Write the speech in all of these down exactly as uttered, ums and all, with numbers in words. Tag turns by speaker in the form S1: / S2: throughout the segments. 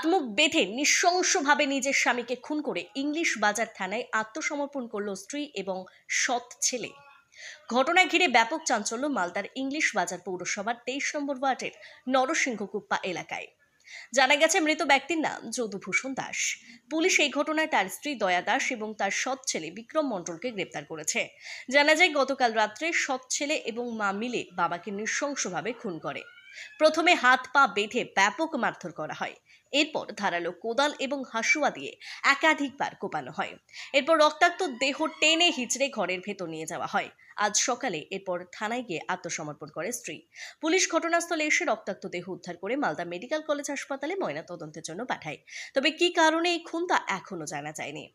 S1: মুখ বেঁধে নৃশংসভাবে নিজের স্বামীকে খুন করে ইংলিশ বাজার থানায় আত্মসমর্পণ করল স্ত্রী এবং সৎ ছেলে। ঘটনা ঘিরে ব্যাপক চাঞ্চল্য মালদার ইংলিশ বাজার পৌরসভার তেইশ নম্বর ওয়ার্ডের নরসিংহকুপ্পা এলাকায়। জানা গেছে মৃত ব্যক্তির নাম যদুভূষণ দাস। পুলিশ এই ঘটনায় তার স্ত্রী দয়া দাস এবং তার সৎ ছেলে বিক্রম মণ্ডলকে গ্রেপ্তার করেছে। জানা যায় গতকাল রাত্রে সৎ ছেলে এবং মা মিলে বাবাকে নৃশংসভাবে খুন করে। প্রথমে হাত পা বেঁধে ব্যাপক মারধর করা হয়, এরপর ধারালো কোদাল এবং হাসুয়া দিয়ে একাধিকবার কোপানো হয়। এরপর রক্তাক্ত দেহ টেনে হিচড়ে ঘরের ভেতর নিয়ে যাওয়া হয়। আজ সকালে এরপর থানায় গিয়ে আত্মসমর্পণ করে স্ত্রী। পুলিশ ঘটনাস্থলে এসে রক্তাক্ত দেহ উদ্ধার করে মালদা মেডিকেল কলেজ হাসপাতালে ময়নাতদন্তের জন্য পাঠায়। তবে কি কারণে এই খুন তা এখনো জানা যায়নি।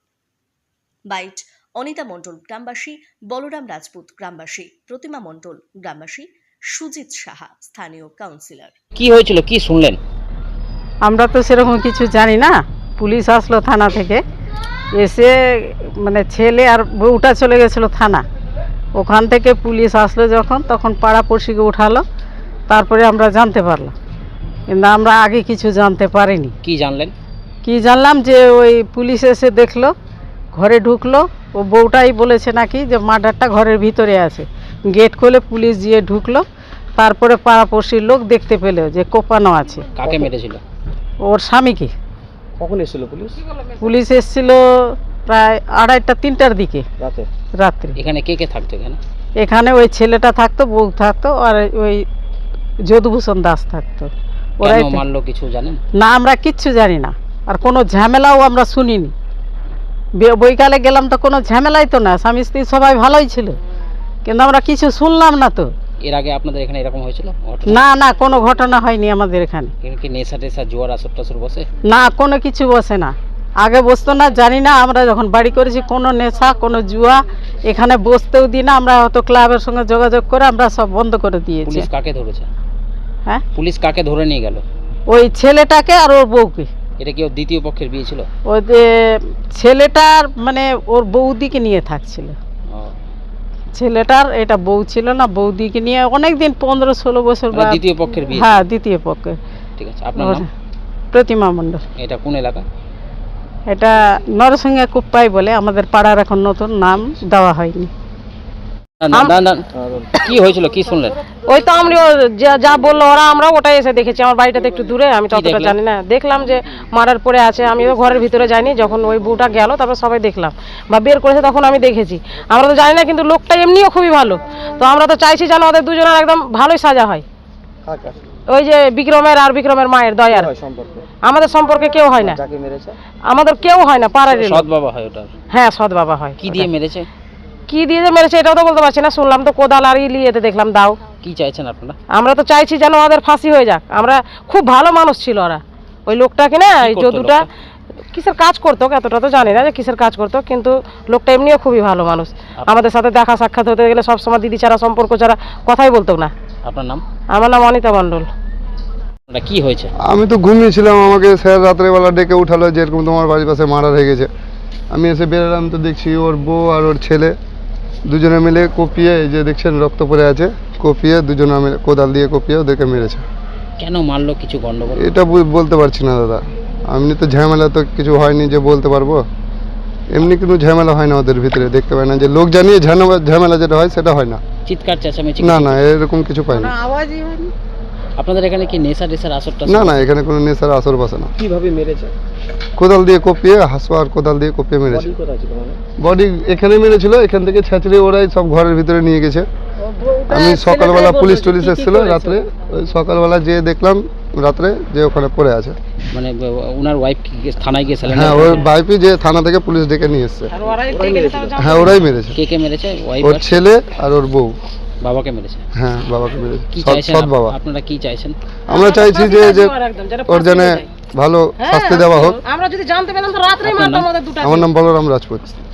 S1: বাইট অনিতা মণ্ডল গ্রামবাসী, বলরাম রাজপুত গ্রামবাসী, প্রতিমা মণ্ডল গ্রামবাসী, সুজিত সাহা স্থানীয় কাউন্সিলর।
S2: কি হয়েছিল, কি শুনলেন?
S3: আমরা তো সেরকম কিছু জানি না। পুলিশ আসলো থানা থেকে, এসে মানে ছেলে আর বউটা চলে গেছিলো থানা। ওখান থেকে পুলিশ আসলো যখন, তখন পাড়াপড়শিকে উঠালো, তারপরে আমরা জানতে পারলাম। কিন্তু আমরা আগে কিছু জানতে পারিনি।
S2: কি জানলেন?
S3: কি জানলাম যে ওই পুলিশ এসে দেখলো, ঘরে ঢুকলো, ও বউটাই বলেছে নাকি যে মার্ডারটা ঘরের ভিতরে আছে। গেট খুলে পুলিশ গিয়ে ঢুকলো, তারপরে পাড়াপড়শির লোক দেখতে পেলো যে কোপানো আছে।
S2: কাকে মেরেছিল?
S3: ওর স্বামীকে।
S2: কখন এসেছিল পুলিশ?
S3: পুলিশ এসেছিল প্রায় আড়াইটা তিনটার দিকে
S2: রাতে।
S3: রাত্রে।
S2: এখানে কে কে থাকতো? এখানে
S3: এখানে ওই ছেলেটা থাকতো, বউ থাকতো, আর ওই যদুভূষণ দাস থাকতো। ওরাই
S2: কেন মারলো কিছু জানেন?
S3: না, আমরা কিচ্ছু জানি না, আর কোনো ঝামেলাও আমরা শুনিনি। বে- বৈকালে গেলাম তো কোনো ঝামেলাই তো না, স্বামী স্ত্রী সবাই ভালোই ছিল, কিন্তু আমরা কিছু শুনলাম না তো।
S2: এর আগে আপনাদের এখানে এরকম হয়েছিল?
S3: না না, কোনো ঘটনা হয়নি আমাদের এখানে।
S2: এখানে কি নেশা টেশা জোয়ার আসর টাসর বসে?
S3: না, কোনো কিছু বসে না, আগে বসতো না, জানি না। আমরা যখন বাড়ি করেছি কোনো নেশা কোনো জুয়া এখানে বসতেও দিই না। আমরা হয়তো ক্লাবের সঙ্গে যোগাযোগ করে আমরা সব বন্ধ করে দিয়েছি।
S2: পুলিশ কাকে ধরেছে?
S3: হ্যাঁ,
S2: পুলিশ কাকে ধরে নিয়ে গেল?
S3: ওই ছেলেটাকে আর ওর বউকে।
S2: এটা কি ওর দ্বিতীয় পক্ষের বিয়ে ছিল?
S3: ওই যে ছেলেটার মানে ওর বৌদিকে নিয়ে থাকছিল।
S2: ও,
S3: ছেলেটার এটা বউ ছিল না, বৌদিকে নিয়ে অনেক দিন, পনেরো ষোলো বছর
S2: মানে
S3: বা
S2: দ্বিতীয় পক্ষের বিয়ে?
S3: হ্যাঁ, দ্বিতীয় পক্ষে।
S2: ঠিক আছে, আপনার নাম?
S3: প্রতিমা মণ্ডল।
S2: এটা কোন এলাকা?
S3: এটা নরসিংহ কুপ্পাই বলে, আমাদের পাড়ার এখন নতুন নাম দেওয়া হয়নি।
S2: না, না, না, কি হয়েছিল, কি শুনলেন?
S4: ওই তো আমরা যা যা বললো ওরা, আমরা ওটাই এসে দেখেছি। আমার বাড়িটাতে একটু দূরে, আমি ততটা
S2: দেখলেন?
S4: জানি না। দেখলাম যে মারার পরে আছে, আমিও ঘরের ভিতরে যাইনি। যখন ওই বউটা গেল তারপর সবাই দেখলাম বা বের করেছে, তখন আমি দেখেছি। আমরা তো জানি না, কিন্তু লোকটা এমনিও খুবই ভালো। তো আমরা তো চাইছি যেন ওদের দুজনের একদম ভালোই সাজা হয়। ওই যে বিক্রমের আর বিক্রমের মায়ের দয়ার। আমাদের সম্পর্কে কেউ হয় না, আমাদের কেউ হয় না, পাড়ার লোক।
S2: সৎ বাবা হয় ওটার?
S4: হ্যাঁ, সৎ বাবা হয়।
S2: কি দিয়ে মেরেছে?
S4: কি দিয়ে যে মেরেছে এটাও তো বলতে পারছি না। শুনলাম তো কোদাল আর ইলিয়েতে দেখলাম দাও।
S2: কি চাইছেন আপনারা?
S4: আমরা তো চাইছি যেন ওদের ফাঁসি হয়ে যাক। আমরা খুব ভালো মানুষ ছিল ওরা। ওই লোকটাকে না, এই
S2: করতো
S4: যদুটা কিসের কাজ করতো এতটা তো জানি না যে কিসের কাজ করতো, কিন্তু লোকটা এমনিও খুবই ভালো মানুষ। আমাদের সাথে দেখা সাক্ষাৎ হতে গেলে সবসময় দিদি ছাড়া, সম্পর্ক ছাড়া কথাই বলতো না।
S2: আপনার নাম?
S4: আমার নাম অনিতা মণ্ডল।
S2: এটা কি হয়েছে?
S5: আমি তো ঘুমিয়েছিলাম, আমাকে স্যার রাত্রেবেলা ডেকে উঠালো যে এরকম তোমার বাড়ির পাশে মার্ডার হয়ে গেছে। আমি এসে বেরোলাম তো দেখছি ওর বউ আর ওর ছেলে দুজনে মিলে কপিয়ে, এই যে দেখছেন রক্ত পড়ে আছে, কপিয়ে দুজনে মিলে কোদাল দিয়ে কপিয়ে ওদেরকে মেরেছে।
S2: কেন মারলো, কিছু গন্ডগোল?
S5: এটা বু- বলতে পারছি না দাদা, এমনি তো ঝামেলা তো কিছু হয়নি যে বলতে পারবো। এমনি কোনো ঝামেলা হয় না ওদের ভিতরে, দেখতে পাই না যে লোক জানিয়ে ঝামেলা ঝামেলা যেটা হয় সেটা হয় না।
S2: চিৎকার চেঁচামেচি?
S5: না না, এরকম কিছু পাই না।
S3: আওয়াজই হয়নি।
S2: আপনাদের এখানে কি নেশা টেশার আসর টাসর?
S5: না না, এখানে কোনো নেশার আসর বসে না।
S2: কিভাবে মেরেছে?
S5: কোদাল দিয়ে কপিয়ে, হাসুয়া আর কোদাল দিয়ে কপিয়ে মেরেছে। বডি এখানে মেরেছিল, এখান থেকে ছেঁচড়ে ওরাই সব ঘরের ভিতরে নিয়ে গেছে। আমি সকালবেলা পুলিশ টুলিশ এসেছিল রাত্রে, ওই সকালবেলা যেয়ে দেখলাম রাত্রে যে ওখানে পড়ে আছে।
S2: মানে ওনার ওয়াইফ থানায় গিয়েছিলেন?
S5: হ্যাঁ, ওর বাইপি যে থানা থেকে পুলিশ ডেকে নিয়ে এসছে। হ্যাঁ, ওরাই মেরেছে।
S2: কে কে মেরেছে? ওয়াইফ
S5: ওর ছেলে আর ওর বউ।
S2: বাবাকে মেরেছে?
S5: হ্যাঁ, বাবাকে মেরেছে।
S2: কি
S5: সৎ-
S2: চাইছেন
S5: সৎ বাবা।
S2: আপনারা? কি চাইছেন?
S5: আমরা চাইছি যে যে ওর জন্য ভালো শাস্তি দেওয়া হোক।
S4: আমরা যদি জানতে পেলাম তো রাত্রেই
S2: আপনার
S4: মারতাম
S2: নাম?
S4: ওদের দুটো।
S5: আমার নাম বলরাম রাজপুত।